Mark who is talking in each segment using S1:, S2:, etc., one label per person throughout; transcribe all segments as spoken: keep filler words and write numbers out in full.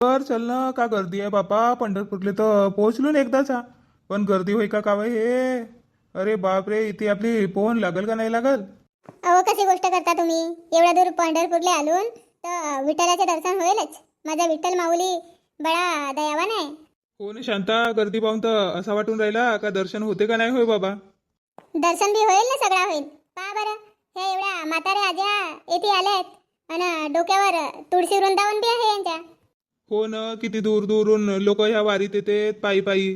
S1: तर चल ना, का गर्दी आहे बापा. पंढरपूरले तर पोहोचलो ना एकदाचा, पण गर्दी होई का कावय हे. अरे बाप रे, इथे आपली पोहून लागल का नाही लागल.
S2: अहो कशी गोष्ट करता तुम्ही. एवढ्या दूर पंढरपूरला आलून तर विठ्ठलाचे दर्शन होईलच. माझा विठ्ठल माऊली बडा दयावान आहे.
S1: हो ना शांता, गर्दी पाहून तर असा वाटून राहिला का दर्शन होते का नाही होय बाबा.
S2: दर्शन बी होईल ना, सगळा होईल. पहा बरं, हे एवढ्या म्हाताऱ्या आज्या येथे आल्यात आणि डोक्यावर तुळशी वृंदावन बी आहे यांच्या.
S1: हो ना, किती दूर दूरून लोक ह्या वारीत येतात पायी पायी.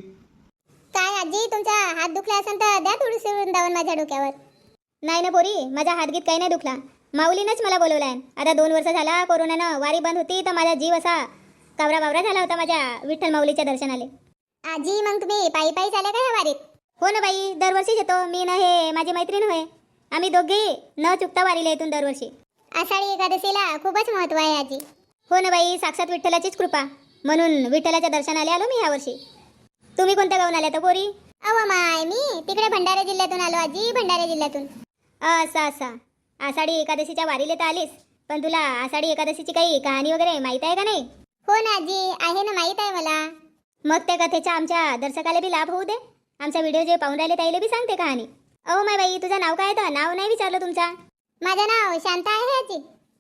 S2: काय आजी, तुमचा हात दुखला असेल तर द्या तुळशी वृंदावन माझ्या डोक्यावर. नाही ना पोरी, माझा हातगीत काही नाही दुखला. माऊलीनंच मला बोलवलाय. आता दोन वर्ष झाला कोरोनानं वारी बंद होती तर माझा जीव असा कावरा बावरा झाला होता माझ्या विठ्ठल माऊलीच्या दर्शनाले. आजी मग तुम्ही पायी पायी चाले का ह्या वारीत. हो ना बाई, दरवर्षीच येतो मी ना, हे माझी मैत्रीण होय. आम्ही दोघे न चुकता वारीला येतून दरवर्षी. आषाढी एकादशीला खूपच महत्व आहे आजी. हो ना बाई, साक्षात विठ्ठलाचीच कृपा, म्हणून विठ्ठलाच्या दर्शनाला आलो मी यावर्षी. तुम्ही कोणत्या गावून आल्या तर पोरी. अहो माय, मी तिकडे भंडारा जिल्ह्यातून आलो आजी, भंडारा जिल्ह्यातून. असा असा आषाढी एकादशीच्या वारीला तर आलीस, पण तुला आषाढी एकादशीची काही कहाणी वगैरे माहित आहे का नाही. हो ना आजी, आहे ना, माहित आहे मला. मग त्या कथेचा आमच्या दर्शकाला बी लाभ होऊ दे. आमचा व्हिडिओ जे पाहून राहिले त्याला बी सांगते कहाणी. अहो माय बाई, तुझं नाव काय तर. नाव नाही विचारलं तुमचा. माझं नाव शांता आहे आजी.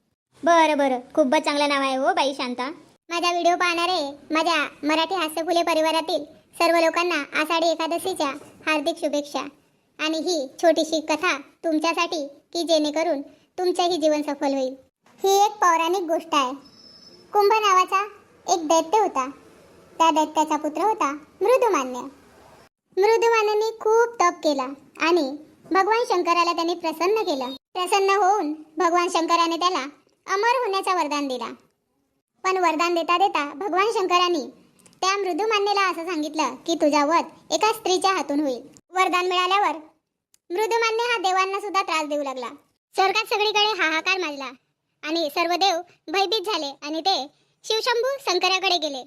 S2: बरं बरं, खूपच चांगलं नाव आहे हो बाई, शांता. माझा व्हिडिओ पाहणारे माझ्या मराठी हास्यफुले परिवारातील सर्व लोकांना आषाढी एकादशीच्या हार्दिक शुभेच्छा. आणि ही छोटीशी कथा तुमच्यासाठी, की जेणेकरून तुमचंही जीवन सफल होईल. ही एक पौराणिक गोष्ट आहे. कुंभ नावाचा एक दैत्य होता. त्या दैत्याचा पुत्र होता मृदुमान्य. मृदुमान्याने खूप तप केला आणि भगवान शंकराला त्यांनी प्रसन्न केलं. प्रसन्न होऊन भगवान शंकराने त्याला अमर होण्याचा वरदान दिला. पण वरदान देता देता भगवान शंकरांनी त्या मृदुमान्याला असं सांगितलं की तुझा वध एका स्त्रीच्या हातून होईल. वरदान मिळाल्यावर मृदुमान्य हा देवांना सुद्धा त्रास देऊ लागला. स्वर्गात सगळीकडे हाहाकार माजला आणि सर्व देव भयभीत झाले आणि ते शिवशंभू शंकराकडे गेले.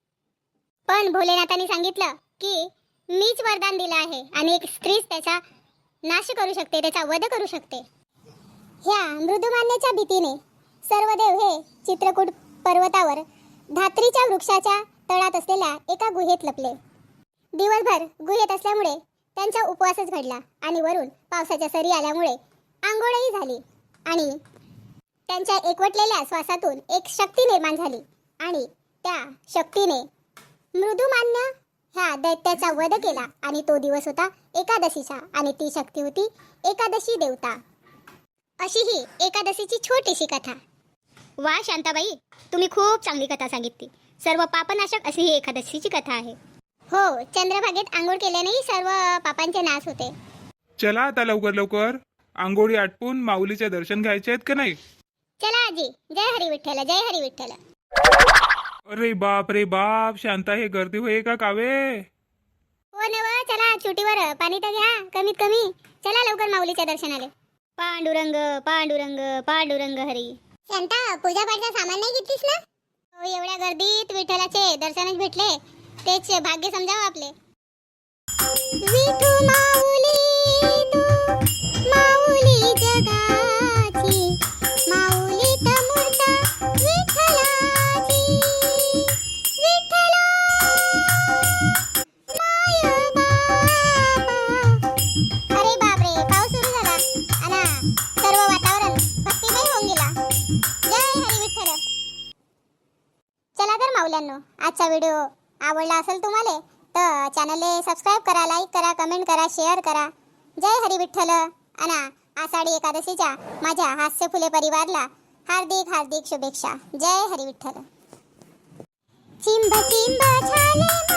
S2: पण भोलेनाथांनी सांगितलं की मीच वरदान दिलं आहे आणि एक स्त्रीच त्याचा नाश करू शकते, त्याचा वध करू शकते. ह्या मृदुमान्याच्या भीतीने सर्व देव हे चित्रकूट पर्वतावर धात्रीच्या वृक्षाच्या तळात असलेल्या एका गुहेत लपले. दिवसभर गुहेत असल्यामुळे त्यांचा उपवासच घडला आणि वरून पावसाच्या सरी आल्यामुळे आंघोळही झाली आणि त्यांच्या एकवटलेल्या श्वासातून एक शक्ती निर्माण झाली आणि त्या शक्तीने मृदुमान्य ह्या दैत्याचा वध केला. आणि तो दिवस होता एकादशीचा आणि ती शक्ती होती एकादशी देवता. अशी ही एकादशीची छोटीशी कथा. वा शांताबाई, तुम्ही खूप चांगली कथा सांगितली. सर्व पापनाशक अशी ही एकादशीची कथा आहे. हो, चंद्रभागेत आंघोळ केल्यानेही सर्व पापांचे नाश होते.
S1: चला आता लवकर लवकर आंघोळी आटपून माऊलीचे दर्शन घ्यायचे आहेत का नाही.
S2: चला आजी, जय हरी विठ्ठल, जय हरी विठ्ठल.
S1: अरे बाप रे बाप, शांता हे गर्दी होय का कावे.
S2: हो नव, चला चुटीवर पाणी तर घ्या कमीत कमी. चला लवकर माऊलीच्या दर्शनाले. पांडुरंग पांडुरंग पांडुरंग हरी. शांता, पूजा पाठचा सामान नाही घेतलीस ना. हो, एवढ्या गर्दीत विठ्ठलाचे दर्शनच भेटले तेच भाग्य समजावं आपले. विठू माऊली तू माऊली जगाची, माऊली तमूर्ता विठ्ठलाची. विठ्ठला माय बाबा. अरे बापरे, पाऊस सुरू झाला आणि सर्व वातावरण भक्तिमय होऊन गेला. जय हरी विठ्ठल. चला तर माऊल्यांनो, आजचा व्हिडिओ आवडला असेल तुम्हाला तर चॅनलला सबस्क्राइब करा, लाईक करा, कमेंट करा, शेअर करा. जय हरी विठ्ठल. आणि आषाढी एकादशीच्या माझ्या हास्यफुले परिवारला हार्दिक हार्दिक शुभेच्छा. जय हरी विठ्ठल. चिंब चिंब झाले